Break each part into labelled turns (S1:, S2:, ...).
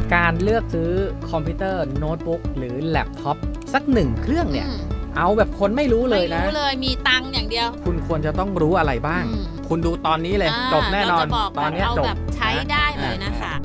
S1: การเลือกซื้อคอมพิวเตอร์โน้ตบุ๊กหรือแล็ปท็อปสักหนึ่งเครื่องเนี่ยเอาแบบคนไม่รู้เลยนะ
S2: ไม่รู้เลยมีตังค์อย่างเดียว
S1: คุณควรจะต้องรู้อะไรบ้าง คุณดูตอนนี้เลยจบแน่นอน
S2: ตอนนี้จบแบบใช้ได้เลยนะคะ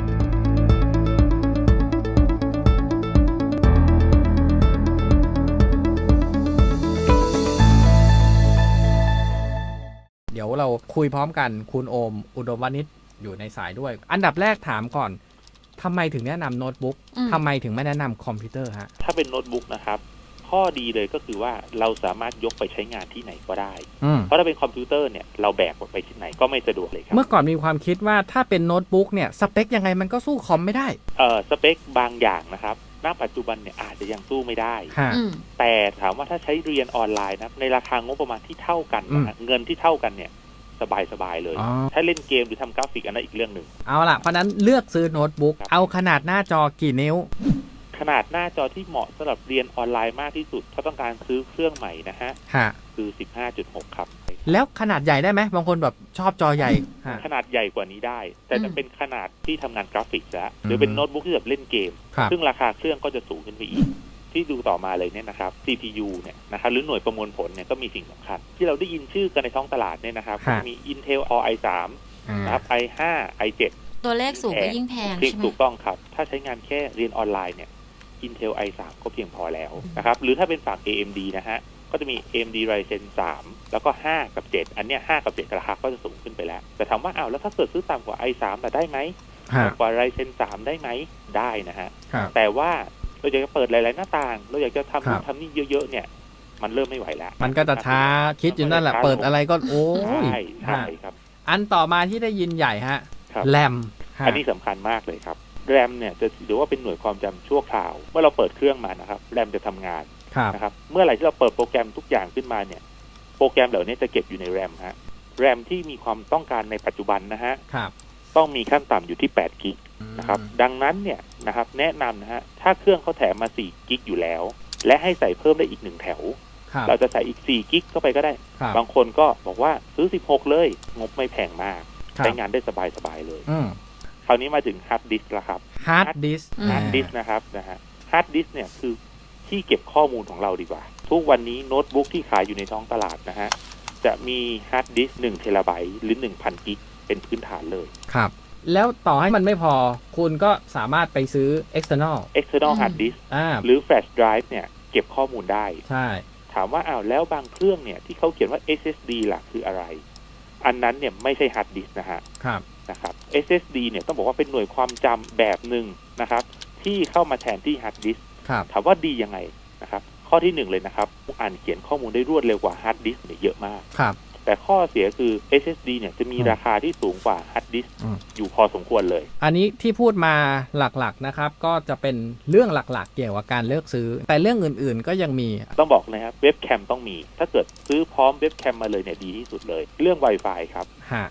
S1: เดี๋ยวเราคุยพร้อมกันคุณโอมอุดมวณิชอยู่ในสายด้วยอันดับแรกถามก่อนทำไมถึงแนะนำโน้ตบุ๊กทำไมถึงไม่แนะนำคอมพิวเตอร์ฮะ
S3: ถ้าเป็นโน้ตบุ๊กนะครับข้อดีเลยก็คือว่าเราสามารถยกไปใช้งานที่ไหนก็ได้เพราะถ้าเป็นคอมพิวเตอร์เนี่ยเราแบกไปที่ไหนก็ไม่สะดวกเลยครับ
S1: เมื่อก่อนมีความคิดว่าถ้าเป็นโน้ตบุ๊กเนี่ยสเปคยังไงมันก็สู้คอมไม่ได้
S3: สเปคบางอย่างนะครับณปัจจุบันเนี่ยอาจจะยังสู้ไม่ได้แต่ถามว่าถ้าใช้เรียนออนไลน์นะในราคางบประมาณที่เท่ากันนะเงินที่เท่ากันเนี่ยสบายเลยถ้าเล่นเกมหรือทำกราฟิกอันนั้นอีกเรื่องหนึ่ง
S1: เอาล่ะเพราะนั้นเลือกซื้อโน้ตบุ๊กเอาขนาดหน้าจอกี่นิ้ว
S3: ขนาดหน้าจอที่เหมาะสำหรับเรียนออนไลน์มากที่สุดถ้าต้องการซื้อเครื่องใหม่นะฮะคือ 15.6 ครับ
S1: แล้วขนาดใหญ่ได้ไหมบางคนแบบชอบจอใหญ่
S3: ขนาดใหญ่กว่านี้ได้แต่จะเป็นขนาดที่ทำงานกราฟิกแล้วหรือเป็นโน้ตบุ๊กที่แบบเล่นเกมซึ่งราคาเครื่องก็จะสูงขึ้นไปอีกที่ดูต่อมาเลยเนี่ยนะครับ CPU เนี่ยนะครับหรือหน่วยประมวลผลเนี่ยก็มีสิ่งสำคัญที่เราได้ยินชื่อกันในท้องตลาดเนี่ยนะครับมี Intel Core i3 นะครับ i5 i7
S2: ตัวเลขสูงก็ยิ่งแพงใช่ไหม
S3: ถูกต้องครับถ้าใช้งานแค่เรียนออนไลน์เนี่ย Intel i3 ก็เพียงพอแล้วนะครับหรือถ้าเป็นฝั่ง AMD นะฮะก็จะมี AMD Ryzen 3 แล้วก็5กับ7อันเนี้ย5กับ7ราคาก็จะสูงขึ้นไปแล้วแต่ถามว่าอ้าวแล้วถ้าเกิดซื้อต่ำกว่า i3 แต่ได้ไหมต่ำกว่า Ryzen 3 ได้ไหมได้นะฮะแต่ว่าเราอยากจะเปิดหลายๆหน้าต่างเราอยากจะทำนี่เยอะๆเนี่ยมันเริ่มไม่ไหวแล้ว
S1: มันก็จะช้าคิดอยู่นั่นแหละเปิดอะไรก็โอ้ย
S3: ใช่ครับ
S1: อันต่อมาที่ได้ยินใหญ่ฮะแรม
S3: อันนี้สำคัญมากเลยครับแรมเนี่ยจะถือว่าเป็นหน่วยความจำชั่วคราวเมื่อเราเปิดเครื่องมานะครับแรมจะทำงานนะครับเมื่อไหร่ที่เราเปิดโปรแกรมทุกอย่างขึ้นมาเนี่ยโปรแกรมเหล่านี้จะเก็บอยู่ในแรมฮะแรมที่มีความต้องการในปัจจุบันนะฮะต้องมีขั้นต่ำอยู่ที่8 กิกนะครับดังนั้นเนี่ยนะครับแนะนำนะฮะถ้าเครื่องเขาแถมมา4 กิกอยู่แล้วและให้ใส่เพิ่มได้อีก1แถวเราจะใส่อีก4 กิกเข้าไปก็ได้บางคนก็บอกว่าซื้อ16เลยงบไม่แพงมากใช้งานได้สบายๆเลยคราวนี้มาถึงฮาร์ดดิสก์ละครับ
S1: ฮาร์ดดิส
S3: ก์นะครับนะฮะฮาร์ดดิสก์เนี่ยคือที่เก็บข้อมูลของเราดีกว่าทุกวันนี้โน้ตบุ๊กที่ขายอยู่ในท้องตลาดนะฮะจะมีฮาร์ดดิสก์1 เทราไบต์หรือ 1,000 กิกเป็นพื้นฐานเลย
S1: ครับแล้วต่อให้มันไม่พอคุณก็สามารถไปซื้อ external
S3: hard disk หรือ flash drive เนี่ยเก็บข้อมูลได้
S1: ใช่
S3: ถามว่าอ้าวแล้วบางเครื่องเนี่ยที่เขาเขียนว่า SSD ล่ะคืออะไรอันนั้นเนี่ยไม่ใช่ hard disk นะฮะนะครับ SSD เนี่ยต้องบอกว่าเป็นหน่วยความจำแบบหนึ่งนะครับที่เข้ามาแทนที่ hard disk ถามว่าดียังไงนะครับข้อที่1เลยนะครับอ่านเขียนข้อมูลได้รวดเร็วกว่า hard disk เนี่ยเยอะมากแต่ข้อเสียคือ SSD เนี่ยจะมีราคาที่สูงกว่า hard disk อยู่พอสมควรเลย
S1: อันนี้ที่พูดมาหลักๆนะครับก็จะเป็นเรื่องหลักๆเกี่ยวกับการเลือกซื้อแต่เรื่องอื่นๆก็ยังมี
S3: ต้องบอกเลยครับเว็บแคมต้องมีถ้าเกิดซื้อพร้อมเว็บแคมมาเลยเนี่ยดีที่สุดเลยเรื่อง Wi-Fi ครับ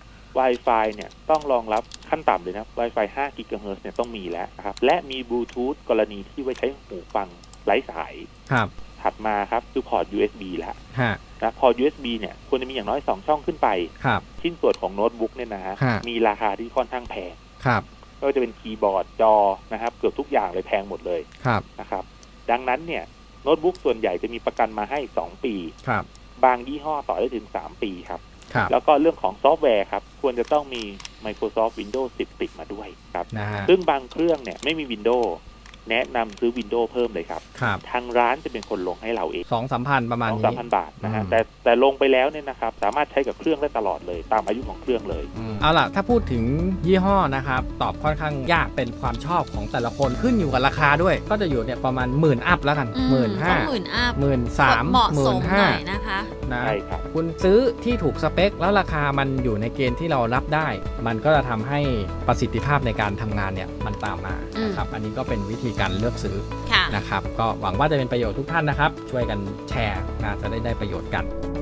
S3: Wi-Fi เนี่ยต้องรองรับขั้นต่ำเลยนะ Wi-Fi 5 GHz เนี่ยต้องมีแล้วนะครับและมีบลูทูธกรณีที่ไว้ใช้หูฟังไร้สายถัดมาครับคือพอร์ต USB แล้วนะพอร์ต USB เนี่ยควรจะมีอย่างน้อย2ช่องขึ้นไปชิ้นส่วนของโน้ตบุ๊กเนี่ยนะฮะมีราคาที่ค่อนข้างแพงก็จะเป็นคีย์บอร์ดจอนะครับเกือบทุกอย่างเลยแพงหมดเลยนะครับดังนั้นเนี่ยโน้ตบุ๊กส่วนใหญ่จะมีประกันมาให้2 ปีบางยี่ห้อต่อได้ถึง3 ปีครับแล้วก็เรื่องของซอฟต์แวร์ครับควรจะต้องมี Microsoft Windows 10 ติดมาด้วยครับซึ่งบางเครื่องเนี่ยไม่มี Windows แนะนำซื้อ Windows เพิ่มเลยครับทางร้านจะเป็นคนลงให้เราเอง
S1: 2-3 พันประมาณนี้
S3: 2-3 พันบาทนะฮะแต่ลงไปแล้วเนี่ยนะครับสามารถใช้กับเครื่องได้ตลอดเลยตามอายุของเครื่องเลย
S1: เอาล่ะถ้าพูดถึงยี่ห้อนะครับตอบค่อนข้างยากเป็นความชอบของแต่ละคนขึ้นอยู่กับราคาด้วยก็จะอยู่เนี่ยประมาณ10,000 อัพแล้วกัน
S2: 15,000
S1: 13,000
S2: เหมาะสมหน่อยนะคะ
S1: ใช่ครับคุณซื้อที่ถูกสเปคแล้วราคามันอยู่ในเกณฑ์ที่เรารับได้มันก็จะทำให้ประสิทธิภาพในการทำงานเนี่ยมันตามมานะครับอันนี้ก็เป็นวิธีการเลือกซื้อนะครับก็หวังว่าจะเป็นประโยชน์ทุกท่านนะครับช่วยกันแชร์นะจะได้ประโยชน์กัน